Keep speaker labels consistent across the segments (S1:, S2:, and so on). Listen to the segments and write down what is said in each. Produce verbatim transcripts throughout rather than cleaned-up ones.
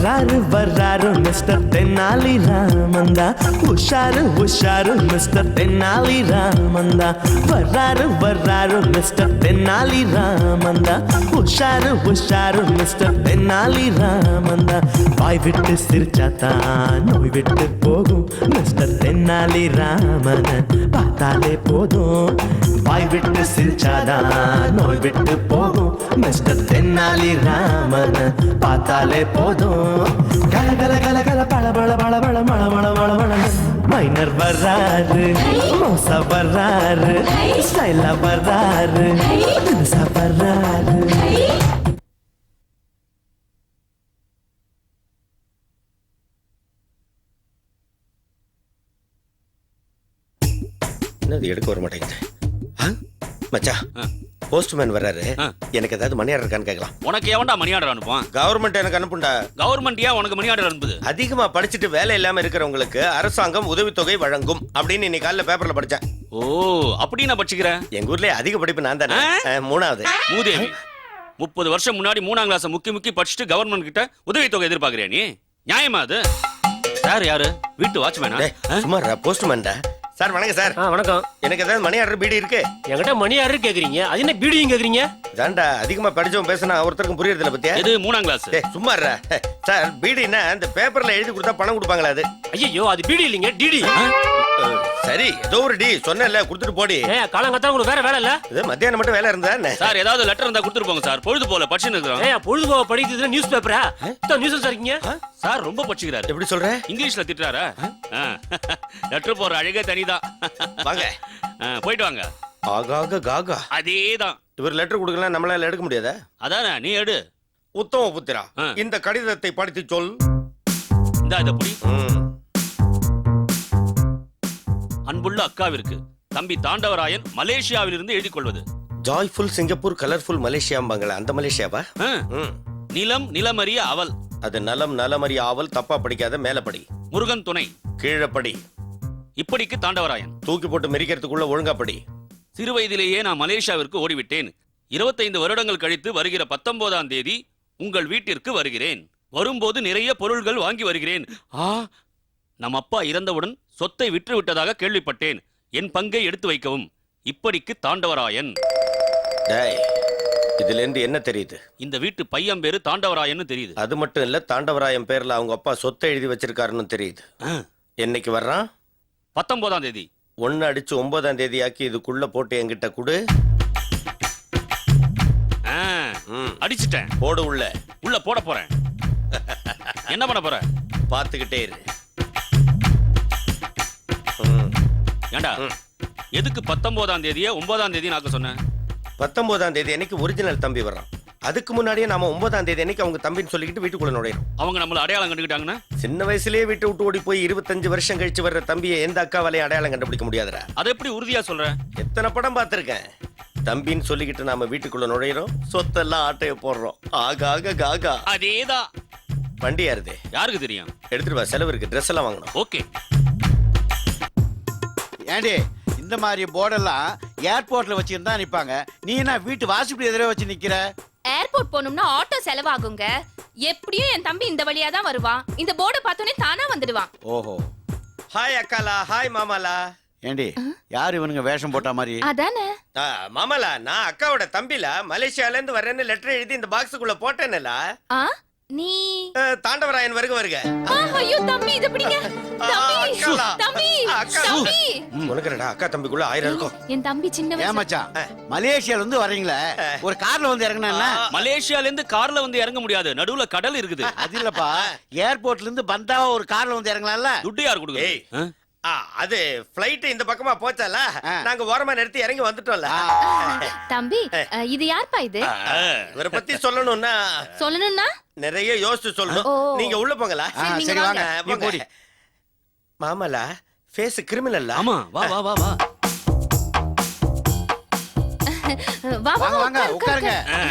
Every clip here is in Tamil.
S1: வர்றாரு வர்றாரு மிஸ்டர் தென்னாலி ராமந்தா, உஷாரு உஷாரு மிஸ்டர் தென்னாலி ராமந்தா. வர்றாரு வர்றாரு மிஸ்டர் தென்னாலி ராமந்தா, உஷாரு உஷாரு மிஸ்டர் தென்னாலி ராமந்தா. வாய் விட்டு சிரிச்சாத்தான் நோய் விட்டு போகும் மிஸ்டர் தென்னாலி ராமன் பார்த்தாலே போதும். வாய் விட்டு சிரிச்சாதான் நோய் விட்டு போகும் மிஸ்டர் தென்னாலி ராமன் பார்த்தாலே போதும். கல கல கல கல பழ பழ பழ பழ மழ மழ மழ மழ. மைனர் வர்றாரு, மோசா வர்றாரு, ஸ்டைலா வர்றாரு, தினுசா வர்றாரு.
S2: என்னது எடுக்க வர மாட்டேங்குது. மச்சான், போஸ்ட்மேன் வர்றாரு. எனக்கு ஏதாவது மணி ஆர்டர் இருக்கான்னு கேட்கலாம்.
S3: உனக்கு எவன்டா மணி ஆர்டர் அனுப்புவான்?
S2: கவர்மெண்ட் எனக்கு அனுப்புண்டா.
S3: கவர்மெண்ட் ஏன் உனக்கு மணி ஆர்டர் அனுப்புது?
S2: அதிகமா படிச்சுட்டு வேலை இல்லாம இருக்கிறவங்களுக்கு அரசாங்கம் உதவித்தொகை வழங்கும் அப்படின்னு இன்னைக்கு காலைல பேப்பர்ல படிச்சேன்.
S3: ஓ, அப்படி நான் படிச்சுக்கிறேன்.
S2: எங்க ஊர்லயே அதிக படிப்பு நான் தானே, மூணாவது.
S3: மூதேவி, முப்பது வருஷம் முன்னாடி மூணாம் கிளாஸ் முக்கி முக்கி படிச்சுட்டு கவர்மெண்ட் கிட்ட உதவித்தொகை எதிர்பார்க்கறியா நீ? நியாயமா அது? சார் யாரு? வீட்டு வாட்ச்மேனா?
S2: சும்மா போஸ்ட்மேன்டா. சார் வணக்கம் சார்.
S4: வணக்கம்.
S2: எனக்கு ஏதாவது மணி ஆர்டர் பீடி இருக்கு?
S4: என்கிட்ட மணி ஆர்டர் கேக்குறீங்க, அது என்ன பீடியும் கேக்குறீங்க?
S2: தாண்டா அதிகமா படிச்சவன் பேசினா ஒருத்தருக்கும் புரியறதுல பத்தியா?
S3: இது மூணாம் கிளாஸ்.
S2: சும்மா சார், பீடினா இந்த பேப்பர்ல எழுதி கொடுத்தா பணம் கொடுப்பாங்களா? அது
S4: ஐயோ, அது பீடி இல்லைங்க, டிடி.
S2: சரி, ஏதோ ஒரு டி சொன்னல கொடுத்துட்டு போடி.
S4: காலங்கத்தான் உங்களுக்கு வேற வேலை இல்ல?
S2: இது மத்தியானம் மட்டும் வேலை இருந்தா என்ன?
S3: சார் ஏதாவது லெட்டர் இருந்தா கொடுத்துட்டு போங்க சார். பொழுது போல படிச்சுன்னு இருக்கிறோம்.
S4: ஏய், பொழுது போல படிக்கிறது நியூஸ் பேப்பரா? நியூஸ் இருக்கீங்க
S3: சார். ரொம்ப படிச்சுக்கிறாரு.
S2: எப்படி சொல்ற?
S3: இங்கிலீஷ்ல திட்டுறாரா? லெட்டர் போற அழகே தனிதான்.
S2: வாங்க
S3: போயிட்டு வாங்க.
S2: ஆகாக காகா
S3: அதேதான்.
S2: இவர் லெட்டர் கொடுக்கலாம், நம்மளால எடுக்க முடியாதா?
S3: அதானே, நீ எடு.
S2: உத்தம புத்திரா, இந்த கடிதத்தை படித்து சொல்.
S3: இந்த இத புடி. அன்புள்ள அக்காவிற்கு தம்பி தாண்டவராயன் மலேசியாவிலிருந்து எழுதி கொள்வது.
S2: ஜாய்ஃபுல் சிங்கப்பூர், கலர்ஃபுல் மலேசியாம்பாங்களே, அந்த மலேசியாவா?
S3: நிலம் நிலமறிய அவள்.
S2: அது நலம் நலமறிய ஆவல். தப்பா படிக்காத, மேல படி.
S3: முருகன் துணை.
S2: கீழே படி.
S3: இப்படிக்கு தாண்டவராயன்.
S2: தூக்கி போட்டு மெரிக்கிறதுக்குள்ள ஒழுங்கா படி.
S3: சிறு வயதிலேயே நான் மலேசியாவிற்கு ஓடிவிட்டேன். இருபத்தைந்து வருடங்கள் கழித்து வருகிற பத்தொன்பதாம் தேதி உங்கள் வீட்டிற்கு வருகிறேன். வரும்போது நிறைய பொருள்கள் வாங்கி வருகிறேன். ஆ, நம் அப்பா இறந்தவுடன் சொத்தை விற்று விட்டதாக கேள்விப்பட்டேன். என் பங்கை எடுத்து வைக்கவும். இப்படிக்கு தாண்டவராயன்.
S2: இதுல இருந்து என்ன தெரியுது?
S3: இந்த வீட்டு பையன் பேரு தாண்டவராயன் தெரியுது.
S2: அது மட்டும் இல்ல, தாண்டவராயன் பேர்ல அவங்க அப்பா சொத்தை எழுதி வச்சிருக்காருன்னு தெரியுது. என்னைக்கு வர்றான்?
S3: பத்தொன்பதாம் தேதி.
S2: ஒன்னு அடிச்சு ஒன்பதாம் தேதி ஆக்கி இதுக்குள்ள போட்டு என்கிட்ட குடு.
S3: அடிச்சுட்டேன்.
S2: போடு. உள்ள
S3: உள்ள போட போறேன். என்ன பண்ண போற?
S2: பாத்துக்கிட்டே இரு.
S3: ஏண்டா, எதுக்கு பத்தொன்பதாம் தேதியே ஒன்பதாம் தேதி நாக்க சொன்னேன்?
S2: பத்தொன்பதாம் தேதி அன்னைக்கு ஒரிஜினல் தம்பி வர்றான். அதுக்கு முன்னாடியே நாம ஒன்பதாம் தேதி அன்னைக்கு அவங்க தம்பின்னு சொல்லிக்கிட்டு வீட்டுக்குள்ள நுழையிறோம்.
S3: அவங்க நம்மள அடையாளம் கண்டுக்கிட்டாங்கன்னா?
S2: சின்ன வயசுலயே வீட்டு விட்டு ஓடி போய் இருபத்தஞ்சு வருஷம் கழிச்சு வர்ற தம்பியை எந்த அக்காவாலையும் அடையாளம் கண்டுபிடிக்க முடியாதுடா.
S3: அதை எப்படி உறுதியா சொல்ற?
S2: எத்தனை படம் பார்த்திருக்கேன். தம்பின்னு சொல்லிக்கிட்டு நாம வீட்டுக்குள்ள நுழையிறோம், சொத்தெல்லாம் ஆட்டைய போடுறோம். ஆகாக காகா.
S3: அதேதான்.
S2: வண்டி யாருது?
S3: யாருக்கு தெரியும்?
S2: எடுத்துட்டு வா, செலவு இருக்கு. ட்ரெஸ் எல்லாம் வாங்கணும்.
S3: ஓகே.
S5: ஏண்டி, இந்த மாதிரி போர்டெல்லாம் ஏர்போர்ட்ல வச்சிருந்தா நிப்பாங்க, நீ என்ன வீட்டு வாசப்படி எதிரே வச்சு நிக்கிற?
S6: ஏர்போர்ட் போகணும்னா ஆட்டோ செலவாகுங்க. எப்படியும் என் தம்பி இந்த வழியா தான் வருவான். இந்த போர்டை பார்த்தோன்னே தானா வந்துடுவான்.
S5: ஓஹோ.
S2: ஹாய் அக்காலா, ஹாய் மாமாலா.
S5: ஏண்டி, யார் இவனுங்க வேஷம் போட்ட மாதிரி?
S6: அதானே
S2: மாமாலா, நான் அக்காவோட தம்பில மலேசியால இருந்து வரேன்னு லெட்டர் எழுதி இந்த பாக்ஸுக்குள்ள போட்டேன்ல.
S6: நீ
S2: தாண்டவராயன் வருக வருக.
S6: ஐயோ தம்பி, இது பிடிங்க. தம்பி தம்பி தம்பி.
S2: உனக்குடா அக்கா தம்பிக்குள்ள ஆயிரம் இருக்கும்.
S6: என் தம்பி சின்ன வயசு.
S5: ஏன் மச்சான், மலேசியால இருந்து வரீங்களே, ஒரு கார்ல வந்து இறங்குனா?
S3: மலேசியால இருந்து கார்ல வந்து இறங்க முடியாது, நடுவுல கடல் இருக்குது.
S5: அது இல்லப்பா, ஏர்போர்ட்ல இருந்து பந்தாவா ஒரு கார்ல வந்து இறங்கலாம்ல.
S3: துட்டு யார் கொடுக்குது?
S2: அது ஃளைட் இந்த பக்கமா போச்சால, நாங்க ஓரமா நிறுத்தி இறங்கி வந்துட்டோம்ல.
S6: தம்பி, இது யார்ப்பா இது?
S2: இவரை பத்தி சொல்லணும்னா
S6: சொல்லணும்னா
S2: நிறைய யோசிச்சு சொல்லணும். நீங்க உள்ள போங்களா?
S5: சரி வாங்க, நீ போடி.
S2: மாமலா, ஃபேஸ் கிரிமினல்.
S3: ஆமா, வா வா வா வா.
S6: வா வா
S5: வாங்க, உட்காருங்க.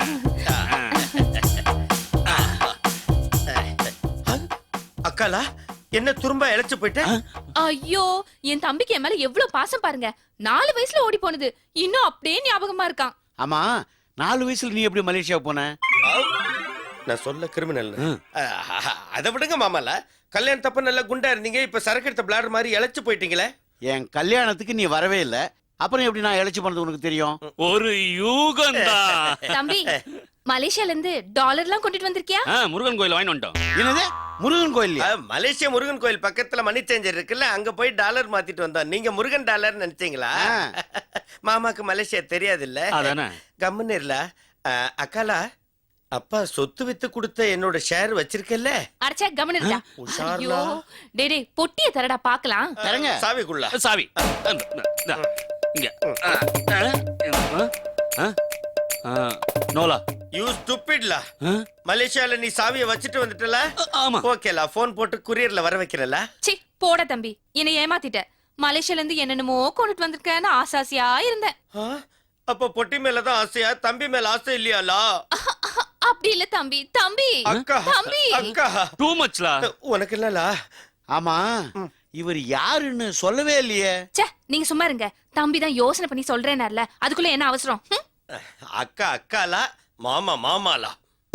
S2: அக்காலா, என்ன துரும்பா இழைச்சு போயிட்ட?
S6: ஐயோ, என் தம்பிக்கு என் மேல எவ்வளவு பாசம் பாருங்க. நாலு வயசுல ஓடி போனது இன்னும் அப்படியே ஞாபகமா இருக்கான்.
S5: ஆமா, நாலு வயசுல நீ எப்படி மலேசியா போன?
S2: நான் சொல்ல கிரிமினல் அதை விடுங்க மாமால. கல்யாணத்தப்ப நல்லா குண்டா இருந்தீங்க, இப்ப சரக்கு எடுத்த பிளாடர் மாதிரி இழைச்சு போயிட்டீங்களே.
S5: என் கல்யாணத்துக்கு நீ வரவே இல்ல, அப்புறம் எப்படி நான் இழைச்சி பண்ணது உனக்கு தெரியும்?
S3: ஒரு யூகந்தா.
S6: தம்பி மலேசியால இருந்து டாலர்லாம் கொண்டுட்டு வந்திருக்கியா?
S3: ஆ, முருகன் கோயில் வாங்கி வந்துட்டோம்.
S5: என்னது முருகன் கோயில்?
S2: அஹ், மலேசியா முருகன் கோயில் பக்கத்துல மணி சேஞ்சர் இருக்குல்ல, அங்க போய் டாலர் மாத்திட்டு வந்தோம். நீங்க முருகன் டாலர் நினைச்சீங்களா? மாமாக்கு மலேசியா தெரியாது இல்ல.
S3: அதானே.
S2: கம்முன்னு இல்ல. அக்காலா, அப்பா சொத்து வித்து கொடுத்த என்னோட ஷேர் வச்சிருக்கல.
S6: அடச்சே கமன் இருக்கா?
S2: உஷார்லா.
S6: ஐயோ டேய் டேய் பொட்டிய தரடா பார்க்கலாம்.
S5: தரங்க.
S2: சாவிக்குள்ள
S3: சாவி இந்தா, இங்க. ஆ, ஆ, ஆ, ஆ, நோலா.
S2: யூ ஸ்டூபிட்லா.
S3: ஆ?
S2: மலேசியால நீ சாவியை வச்சுட்டு வந்துட்டல.
S3: ஆமா.
S2: ஓகேலா, போன் போட்டு குரியர்ல வர வைக்கிறல.
S6: சி போட தம்பி, என்னை ஏமாத்திட்ட. மலேசியால இருந்து என்னென்னமோ கொண்டுட்டு வந்திருக்கேன்னு ஆசாசியா இருந்தேன்.
S2: அப்ப பொட்டி மேலதான் ஆசையா, தம்பி மேல ஆசை இல்லையாலா?
S6: அப்படி இல்ல தம்பி. தம்பி
S2: அக்கா
S6: தம்பி
S2: அக்கா,
S3: டூ மச்லா.
S2: உனக்கு இல்லலா?
S5: ஆமா, இவர் யாருன்னு சொல்லவே இல்லையே.
S6: ச்சே நீங்க சும்மா இருங்க. தம்பி தான் யோசனை பண்ணி சொல்றேனார்ல, அதுக்குள்ள என்ன அவசரம்? ஹம்?
S2: அக்கா அக்காலா, மாமா மாமாலா.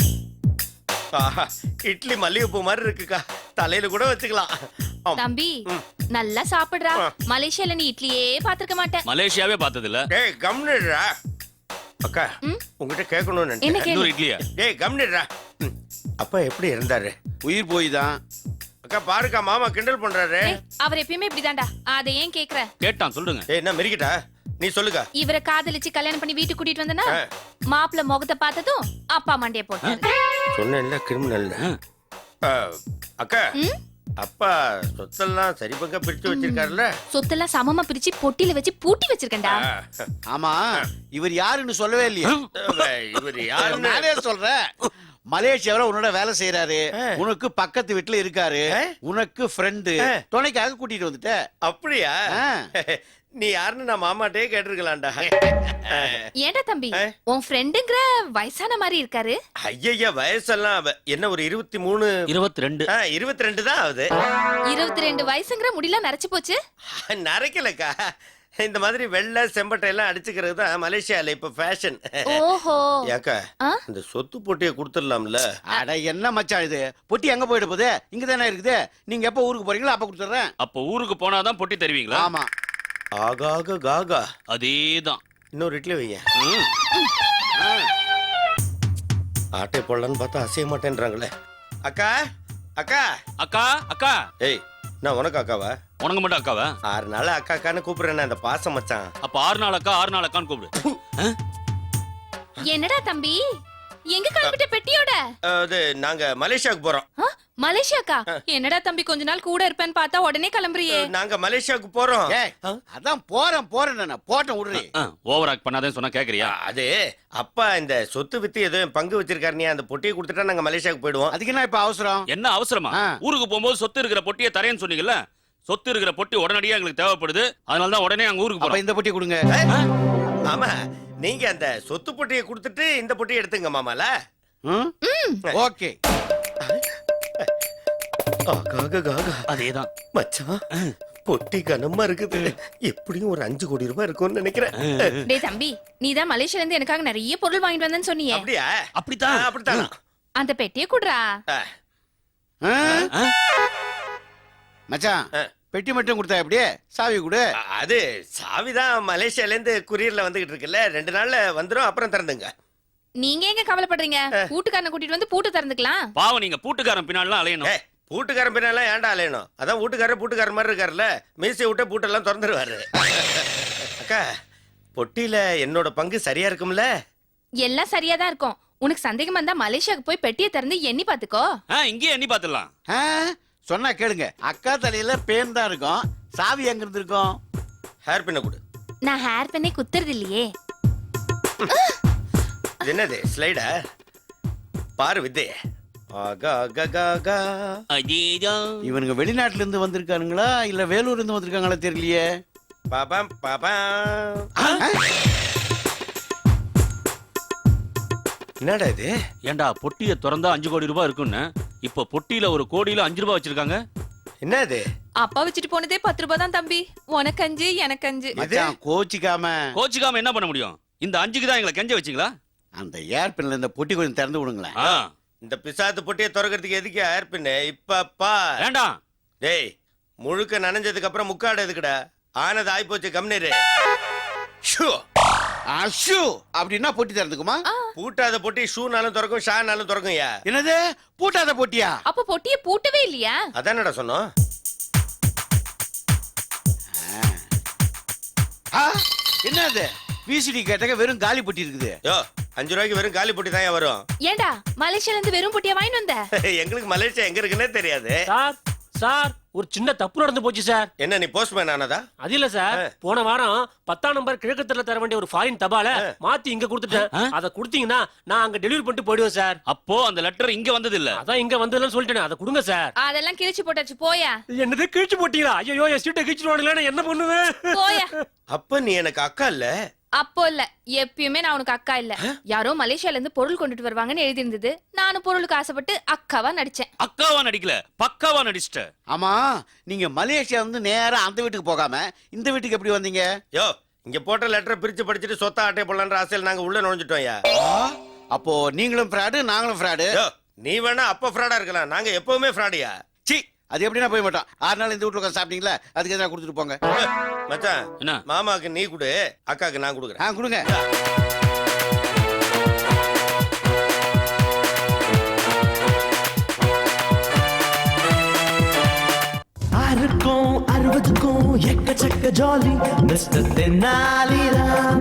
S2: ஆஹா, இட்லி மல்லிகைப்பூ மாதிரி இருக்குக்கா, தலையில கூட வச்சுக்கலாம். ஆம்.
S6: தம்பி நல்லா சாப்பிடுறா. மலேசியால நீ இட்லியே பாத்திருக்க மாட்டேன்.
S3: மலேசியாவே பார்த்தது இல்ல.
S2: டேய் கம்னிடுறா. அக்கா
S6: ம்?
S2: உங்ககிட்ட கேட்கணும்னு
S6: என்ன
S2: நினைச்சேன்.
S6: கேளு?
S3: இன்னொரு இட்லியா?
S2: டேய் கம்னிடுறா. ம். அப்பா எப்படி இருந்தாரு?
S5: உயிர் போய் தான்.
S2: அக்கா பாருக்கா, மாமா கிண்டல் பண்றாரு.
S6: ஏய், அவர் எப்பயுமே இப்படிதான்டா. அதை ஏன் கேக்குற?
S3: கேட்டான், சொல்லுங்க.
S2: ஏய் என்ன மிரிக்கிட்டா? நீ சொல்லுக்கா.
S6: இவரை காதலிச்சு கல்யாணம் பண்ணி வீட்டுக்கு கூட்டிட்டு வந்தனா, மாப்பிள்ள முகத்தை பார்த்ததும் அப்பா மண்டைய போட்டாரு.
S2: சொன்னேன்ல கிரிமினல். அக்கா
S6: ம்?
S2: அப்பா சொத்தெல்லாம் சரி பங்கா பிரிச்சு வச்சிருக்காருல்ல.
S6: சொத்தெல்லாம் சமமா பிரிச்சு பொட்டில வச்சு பூட்டி வச்சிருக்கேன்டா.
S5: ஆமா, இவர் யாருன்னு சொல்லவே இல்லையே.
S2: இவர் யாருன்னு
S5: நானே சொல்றேன். மலேசியாவில உன்னோட வேலை செய்யறாரு, உனக்கு பக்கத்து வீட்டுல இருக்காரு, உனக்கு ஃப்ரெண்டு, துணைக்காக கூட்டிட்டு வந்துட்ட.
S2: அப்படியா?
S5: ஆ.
S2: நீ யாருன்னு நான் மாமாட்டே கேட்டிருக்கலாம்டா.
S6: ஏன்டா தம்பி, உன் ஃப்ரெண்டுங்கிற வயசான மாதிரி இருக்காரு.
S2: ஐயா வயசெல்லாம் அவ- என்ன ஒரு இருபத்தி மூணு
S3: இருபத்தி ரெண்டு.
S2: இருபத்தி ரெண்டு தான் ஆகுது.
S6: இருபத்தி ரெண்டு வயசுங்கிற முடியெல்லாம் நரைச்சு போச்சு.
S2: நரைக்கலக்கா, இந்த மாதிரி வெள்ளை செம்பட்டை எல்லாம் அடிச்சுக்கிறது தான் மலேசியால இப்ப ஃபேஷன்.
S6: ஓஹோ.
S2: ஏக்கா
S6: ஆ?
S2: இந்த சொத்து போட்டியை கொடுத்துடலாம்ல.
S5: அட என்ன மச்சான் இது, பொட்டி எங்க போயிட போகுது? இங்க தானே இருக்குது. நீங்க எப்ப ஊருக்கு போறீங்களோ அப்ப கொடுத்துறேன்.
S3: அப்ப ஊருக்கு போனாதான் பொட்டி தருவீங்களா?
S5: ஆமா.
S2: ஆகாக காகா.
S3: அதேதான்.
S2: இன்னொரு இட்லி வைங்க.
S3: ம்.
S5: ஆ.
S2: ஆட்டை போடலான்னு பார்த்தா அசைய மாட்டேன்றாங்களே. அக்கா அக்கா.
S3: அக்கா அக்கா.
S2: ஏய் நான் உனக்கு அக்காவா?
S3: உனக்கு மட்டும் அக்காவா?
S2: ஆறு நாள் அக்கா அக்கான்னு கூப்பிடுறேன் அந்த பாசம் மச்சான்.
S3: அப்ப ஆறு நாள் அக்கா, ஆறு நாள் அக்கான்னு கூப்பிடு.
S6: என்னடா தம்பி, எங்க கிளம்பிட்ட பெட்டியோட?
S2: அது நாங்க மலேசியாவுக்கு போறோம்.
S6: ஆ, மலேசியாக்கா? என்னடா தம்பி கொஞ்ச நாள் கூட இருப்பேன்னு பார்த்தா உடனே கிளம்புறியே.
S2: நாங்க மலேசியாவுக்கு போறோம்.
S5: ஏய், அதான் போறேன் போறேன் போட்டேன் விடுறி.
S3: ஓவர் ஆக்ட் பண்ணாதேன்னு சொன்னா கேக்குறியா?
S2: அது அப்பா இந்த சொத்து வித்து ஏதோ என் பங்கு வச்சிருக்காரு, நீ அந்த பொட்டியை கொடுத்துட்டா நாங்க மலேசியாவுக்கு போயிடுவோம்.
S5: அதுக்கு என்ன இப்ப அவசரம்?
S3: என்ன அவசரமா?
S5: ஆ.
S3: ஊருக்கு போகும்போது சொத்து இருக்கிற பொட்டியை தரேன்னு சொன்னீங்கல்ல. சொத்து இருக்கிற பொட்டி உடனடியா எங்களுக்கு தேவைப்படுது. அதனால தான் உடனே அங்க ஊருக்கு
S5: அப்ப
S3: போறோம்.
S5: இந்த பொட்டி கொடுங்க.
S2: ஆமா, நீங்க அந்த சொத்து பொட்டியை கொடுத்துட்டு இந்த பொட்டியை எடுத்துங்க மாமால.
S5: ம்? ஓகே.
S2: ஆகாக காகா.
S3: அதேதான்.
S2: மச்சான் பொட்டி கனமா இருக்குது. எப்படியும் ஒரு அஞ்சு கோடி ரூபாய் இருக்கும்னு நினைக்கிறேன்.
S6: டேய் தம்பி, நீ தான் மலேசியால இருந்து எனக்காக நிறைய பொருள் வாங்கிட்டு வந்தேன்னு சொன்னியே.
S2: அப்படியா?
S3: அப்படித்தான்.
S2: ஆ, அப்படித்தான்.
S6: அந்த பெட்டியை குடுறா.
S2: ஆ,
S5: ஆ?
S3: ஆ?
S5: மச்சான்,
S2: ஆ.
S5: பெட்டி மட்டும் கொடுத்தா எப்படியே? சாவி கொடு.
S2: அது சாவிதான் மலேசியால இருந்து குரியர்ல வந்துகிட்டு இருக்குல்ல, ரெண்டு நாள்ல வந்துரும், அப்புறம் திறந்துங்க.
S6: நீங்க எங்க கவலைப்படுறீங்க? பூட்டுக்காரனை கூட்டிட்டு வந்து பூட்டு திறந்துக்கலாம்.
S3: பாவம், நீங்க பூட்டுக்காரன் பின்னாலாம் அலையணும்.
S2: ஏய், பூட்டுக்காரன் பின்னாலாம் ஏன்டா அலையணும்? அதான் வீட்டுக்காரர் பூட்டுக்காரர் மாதிரி இருக்காருல்ல, மீசை விட்டு பூட்டெல்லாம் திறந்துருவாரு. அக்கா பொட்டியில என்னோட பங்கு சரியா இருக்கும்ல?
S6: எல்லாம் சரியா தான் இருக்கும். உனக்கு சந்தேகம் வந்தா மலேசியாவுக்கு போய் பெட்டியை திறந்து எண்ணி பாத்துக்கோ.
S3: ஆ, இங்கேயே எண்ணி பாத்துடலாம்.
S5: ஆ? சொன்னா கேளுங்க. அக்கா தலையில பேன் தான் இருக்கும், சாவி எங்க இருந்து இருக்கும்?
S2: ஹேர் பின்ன கொடு.
S6: நான் ஹேர் பண்ணே குத்துறது இல்லையே.
S2: இது என்னது ஸ்லைடா? பாரு வித்தே. ஆகா ஆகா ஆகா.
S3: அதேதான்.
S5: இவனுங்க வெளிநாட்டுல இருந்து வந்திருக்கானுங்களா இல்ல வேலூர்ல இருந்து வந்திருக்காங்களா தெரியலையே.
S2: பாபாம் பாபாம். என்னடா இது?
S3: ஏண்டா பொட்டியை திறந்தா அஞ்சு கோடி ரூபாய் இருக்குன்னு, இப்ப பொட்டியில ஒரு கோடியில அஞ்சு ரூபாய் வச்சிருக்காங்க.
S2: என்ன இது?
S6: அப்பா வச்சுட்டு போனதே பத்து ரூபாய் தான் தம்பி. உனக்கு அஞ்சு எனக்கு அஞ்சு.
S5: மச்சான் கோச்சிக்காம
S3: கோச்சிக்காம என்ன பண்ண முடியும்? இந்த அஞ்சுக்கு தான் எங்களை கெஞ்ச வச்சீங்களா?
S5: அந்த ஏர்பின்ல இந்த பொட்டி கொஞ்சம் திறந்து விடுங்களேன்.
S3: ஆ,
S2: இந்த பிசாத்து பொட்டியை திறக்கிறதுக்கு எதுக்கு ஏற்பின்னு இப்ப பார்.
S3: வேண்டாம்.
S2: டேய் முழுக்க நனைஞ்சதுக்கு அப்புறம் முக்காடு எதுக்குடா? ஆனது ஆயிப்போச்சு கம்னீரு. ஷூ
S5: அஷு அப்படின்னா பொட்டி தரதுக்குமா?
S2: பூட்டாத பொட்டி ஷூனாலும் திறக்கும் ஷானாலும் திறக்கும். யா
S5: என்னது பூட்டாத பொட்டியா?
S6: அப்ப பொட்டியை பூட்டவே இல்லையா?
S2: அதானடா சொன்னோம்.
S5: ஆ, என்னது விசிடி கேட்டக வெறும் காலி பொட்டி இருக்குது.
S2: யோ அஞ்சு ரூபாய்க்கு வெறும் காலி பொட்டி தான் வரும்.
S6: ஏண்டா மலேசியால இருந்து வெறும் பொட்டியா வாங்கிட்டு வந்த?
S2: எங்களுக்கு மலேசியா எங்க இருக்குன்னே தெரியாது.
S4: சார் சார் ஒரு சின்ன தப்பு நடந்து போச்சு சார்.
S2: என்ன நீ போஸ்ட்மேன் ஆனதா?
S4: அது இல்ல சார், போன வாரம் பத்தாம் நம்பர் கிழக்கு தெருல தர வேண்டிய ஒரு ஃபாரின் தபால மாத்தி இங்க கொடுத்துட்டேன். அத கொடுத்தீங்கன்னா நான் அங்க டெலிவரி பண்ணிட்டு போயிடுவேன் சார்.
S3: அப்போ அந்த லெட்டர் இங்க வந்தது இல்ல.
S4: அதான் இங்க வந்ததுன்னு சொல்லிட்டேன். அதை கொடுங்க சார்.
S6: அதெல்லாம் கிழிச்சு போட்டாச்சு போயா.
S4: என்னது கிழிச்சு போட்டீங்களா? ஐயோ என் சீட்டை கிழிச்சுடுவானுங்களே, நான் என்ன பண்ணுவேன்?
S6: போயா.
S2: அப்ப நீ எனக்கு அக்கா இல்ல?
S6: அப்போ இல்ல, எப்பயுமே நான் உனக்கு அக்கா இல்ல. யாரோ மலேசியால இருந்து பொருள் கொண்டுட்டு வருவாங்கன்னு எழுதி இருந்தது. நானும் பொருளுக்கு ஆசைப்பட்டு அக்காவா நடிச்சேன்.
S3: அக்காவா நடிக்கல, பக்காவா நடிச்சிட்ட.
S5: ஆமா, நீங்க மலேசியா வந்து நேரா அந்த வீட்டுக்கு போகாம இந்த வீட்டுக்கு எப்படி வந்தீங்க?
S2: யோ இங்க போட்ட லெட்டரை பிரிச்சு படிச்சுட்டு சொத்தா அட்டை போடலான்ற ஆசையில் நாங்க உள்ள நுழைஞ்சிட்டோம். யா
S5: அப்போ நீங்களும் ஃப்ராடு நாங்களும் ஃப்ராடு.
S2: யோ நீ வேணா அப்ப ஃப்ராடா இருக்கலாம், நாங்க எப்பவுமே ஃப்ராடியா?
S5: சி, அது எப்படின்னா போய் மாட்டோம். ஆறு நாள் இந்த வீட்டுல உட்காந்து சாப்பிட்டீங்களா, அதுக்கு எதாவது கொடுத்துட்டு போங்க.
S2: மச்சான்
S3: என்ன?
S2: மாமாக்கு நீ கொடு, அக்காக்கு நான் கொடுக்குறேன்.
S5: ஆ கொடுங்க.
S1: ஆறுக்கும் அறுபதுக்கும் எக்கச்சக்க ஜாலி மிஸ்டர் தென்னாலிராம்.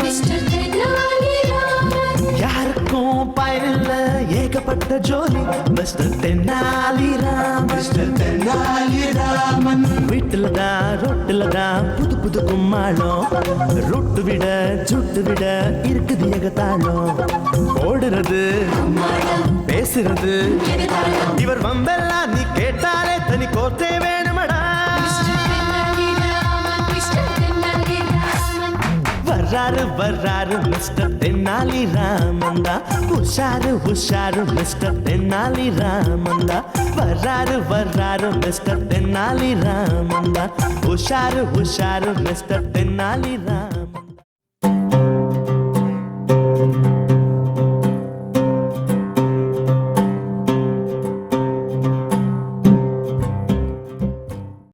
S1: யாருக்கும் பயனில்ல ஏகப்பட்ட ஜோலி மிஸ்டர் தென்னாலிராம். மிஸ்டர் தென்னாலிராமன் வீட்டுல தான் ரொட்டுல தான் புது புது கும்மாளம். ரொட்டு விட சுட்டு விட இருக்குது ஏகத்தாளம். ஓடுறது பேசுறது இவர் வம்பெல்லாம் நீ கேட்டாலே தனி கோத்தே வேணுமடா. வர்றாரு வர்றாரு மிஸ்டர் தென்னாலி ராமந்தா. உஷாரு உஷாரு மிஸ்டர் தென்னாலி ராமந்தா. வர்றாரு வர்றாரு மிஸ்டர் தென்னாலி ராமந்தா. உஷாரு உஷாரு மிஸ்டர் தென்னாலி ராமந்தா.